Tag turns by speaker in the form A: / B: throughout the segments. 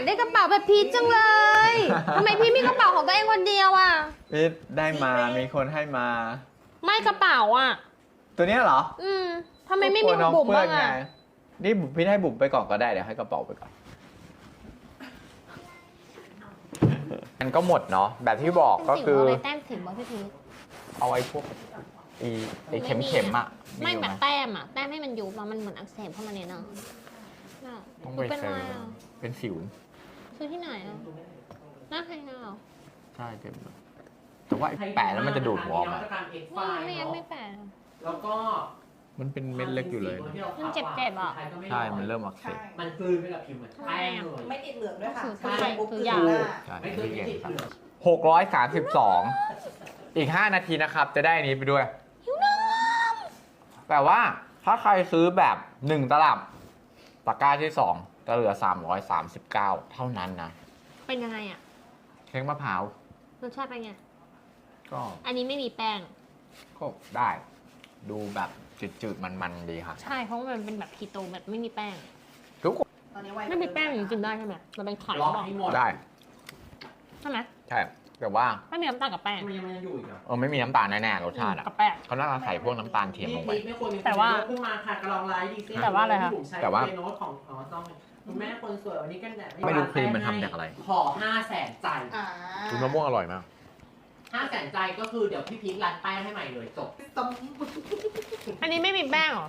A: ได้กระเป๋าแบบพีชจังเลยทำไมพี่มีกระเป๋าของตัวเองคนเดียวอ่ะ
B: พี่ได้มามีคนให้มา
A: ไม่กระเป๋าอ่ะ
B: ตัวเนี้ยเหรอ
A: ทำไมไม่มีของบุ๋มบ้างอ่ะ
B: นี่บุ๋มพี่ให้บุ๋มไปก่อนก็ได้เดี๋ยวให้กระเป๋าไปก่อนมันก็หมดเนาะแบบที่บอกก็คือ
A: อะไรแต้มถึงบ้างพี่พีช
B: เอาไอ้พวกไอ้เข็มๆอ่ะ
A: ไม่
B: อยู่
A: แบ
B: ห
A: บแต้มอ่ะแต้มให้มันยุบมันเหมือนอักเสบเข้ามาเนี่ยเนาะ
B: ต้องไป
A: เป็น
B: เซ
A: ไร
B: อร์
A: อ่ะ
B: เป็นสิว
A: ซื้อที่ไหนอ่ะหน้าใครหน้าเหรอ
B: ใช่เต็มเลยแต่ว่าไอ้แปะแล้วมันจะดูดหัวออกมา
A: ไม่ยังไม่แปลก
C: แล้วก็
B: มันเป็นเม็ดเล็กอยู่เลย
A: มันเจ็บๆอ่ะ
B: ใช่มันเริ่มอักเสบ
C: มันกลืนไปกับผิวเหมือนแป้งเลย
D: ไม่ติดเหลืองด้วยค่ะ
A: คือ
D: ใช่ปุ๊บ
A: คื
D: คือ อ
A: อยาก
D: หน้า
B: ใช่
C: ไม่เคย
B: ที่
C: ไม่
B: เก่ง
C: ติด
B: ครับ
C: เหลือง
B: 632อีก5นาทีนะครับจะได้อันนี้ไปด้วยแต่ว่าถ้าใครซื้อแบบ1ตลับตะกร้าที่2จะเหลือ339เท่านั้นนะ
A: เป็นยังไงอ่ะ
B: เค้กมะพร้าว
A: รสชาติเป็นไง
B: ก็
A: อันนี้ไม่มีแป้ง
B: ได้ ดูแบบจืดๆมันๆดีค่ะ
A: ใช่เพราะว่ามันเป็นแบบคีโตแบบไม่มีแป้ง
B: ทุกคน
D: ตอนนี้ไว
A: ไม่มีแป้งกินได้ใช่ไหมมันเป็นไข่
C: ล็อก
A: หรอ
C: ให้หมด
B: ได้
A: ใช่ไหม
B: ใช่แต่ว่า
A: ไม่มีน้ำตาลกับแป้ง
C: มันยังอยู่อีกเหรอ
B: ไม่มีน้ำตาลแน่ๆรสชาติอ่ะ
A: กับแป้ง
B: เขาน่าจะใส่พวกน้ำตาลเทียมลงไป
C: ไม่ควรมี
A: แต่ว่า
C: ขึ้นมาค่ะกระลองไลฟ์ดีซิ
A: แต่ว่าอะไรคะ
B: แต่ว่า
C: โน้ตของต้องคุณแม่คนสวยวันนี้กันแดด
B: ไม่รู้ครีมมันทำจากอะไร
C: ขอ500,000 ใจ
D: อ่า
B: คุณมะม่วงอร่อยมาก
C: 500,000 ใจก็คือเดี๋ยวพี่พีทรันแป้งให้ใหม่เลยจบ
D: ต้ม
A: อันนี้ไม่มีแป้งเหรอ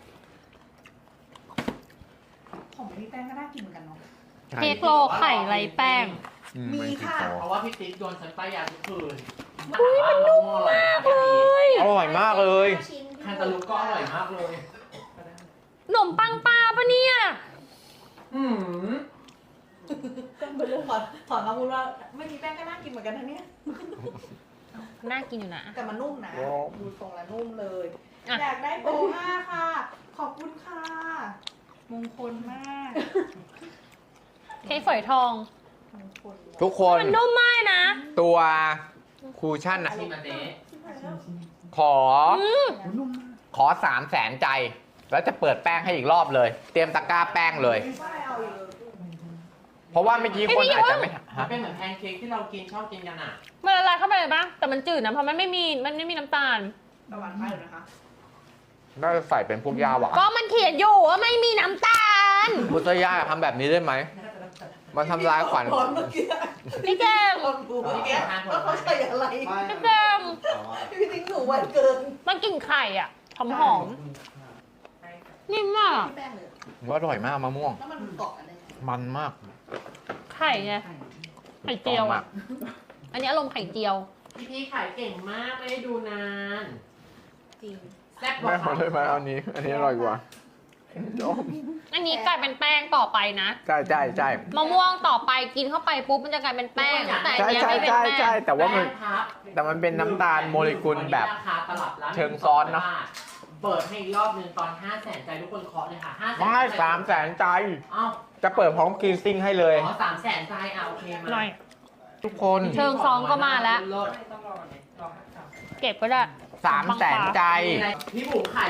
D: ของพี่แป้งก็น่ากินเหมือนกันเนาะ
A: เค้กโลไข่ไรแป้ง
D: มีค่ะ
C: เพราะว่าพี่ติ๊กโดนฉันป้ายยาทุกคืนอุ้ยมันนุ่มมากเลย
B: อร่อยมากเลย
C: แคนตาลูปก็อร่อยมากเลย
A: ขนมปังปลาปะเนี่ย
C: อืม
D: ก็เป็นเรื่องขอคำพูดว่าไม่มีแป้งก็น่ากินเหมือนกันนะเนี่ย
A: น่ากินอยู่นะ
D: แต่มันนุ่มนะ ดูทรงแล้วนุ่มเลย
A: อ่ะ
D: อยากได้โบ5ค่ะ ขอบคุณค่ะ มงคลมาก
A: เค้กฝอยทอง
D: มงคล
B: ทุกคน
A: มันนุ่มมากนะ
B: ตัวคูชั่นอะ
C: ชิมอันนี้
B: ขอ ขอ300,000 ใจ แล้วจะเปิดแป้งให้อีกรอบเลย เตรียมตะกร้าแป้งเลย
D: ไม่เอาอีกเลย
B: เพราะว่าเมื่อกี้คนอาจจะไม่
C: มัน
B: ฮะ
C: เป็นเหมือนแพนเค้กที่เรากินชอบกินกันอ่ะ
A: มันละลายเข้าไปเลยปะแต่มันจืดนะเพราะมันไม่มีน้ำตาล
D: ประมาณไปเลยนะคะ
B: น่าจะใส่เป็นพวกยาหวาน
A: ก็มันเขียนอยู่ว่าไม่มีน้ำตาล
B: พุทธยาทำแบบนี้ได้ไหม มันทำลายขวัญ
D: ตอนเมื่อกี้
A: พี่แจม
D: ตอนดูเมื่อกี้ว่าเขาใส่อะไร
A: พี่แจม
D: พี่ทิ้งหนูไวเกิน
A: มันกลิ่นไข่อ่ะหอมๆนิ่มมาก
D: พี่แป้งเลย
B: ว่าอร่อยมากมะม่วง
D: แล้วมันเกาะอะไร
B: มันมาก
A: ไข่ไงไข่เจียว
B: มา
A: อ่ะ
B: ก
A: อันนี้อารมณ์ไข่เจียว
C: พี่ขายเก่งมากไม่ได้ดูนาน
D: จริง
C: แซ่บก
B: แม่
C: ว่า
B: ขอได้ไหมอันนี้ อันนี้อร่อยกว่า
A: อันนี้กลายเป็นแป้งต่อไปนะ
B: ใช่ใช่ใช่
A: มะม่วงต่อไปกินเข้าไปปุ๊บมันจะกลายเป็นแป้งแต่อัน
B: ใช่
A: เนี้ย
B: ใช่
A: ไม่เป็น
B: ใช่
A: แป้
B: ใช่
A: ง
B: แต่ว่ามัน
C: แป้งครับ
B: แต่มันเป็นน้ำตาลโมเลกุลแบบ
C: วันนี้ราคาตลับละ
B: เชิงซ้อนเนอะ
C: เปิดให้อีกรอบหนึงตอน500,000 ใจทุกคนเคาะเลยค่ะ500,000
B: ไม่300,000 ใจ
C: เอ้า
B: จะเปิดพร้อมกรีนซิ่งให้เลย
C: อ๋อ300,000 ใจอ่ะโอเคมา
A: หน่อย
B: ทุกคน
A: เชิงซ้อนก็มาแล้ว
C: เลิศ
A: เก็บก็ได้
B: 300,000 ใจ
C: พี่บุ๋มขาย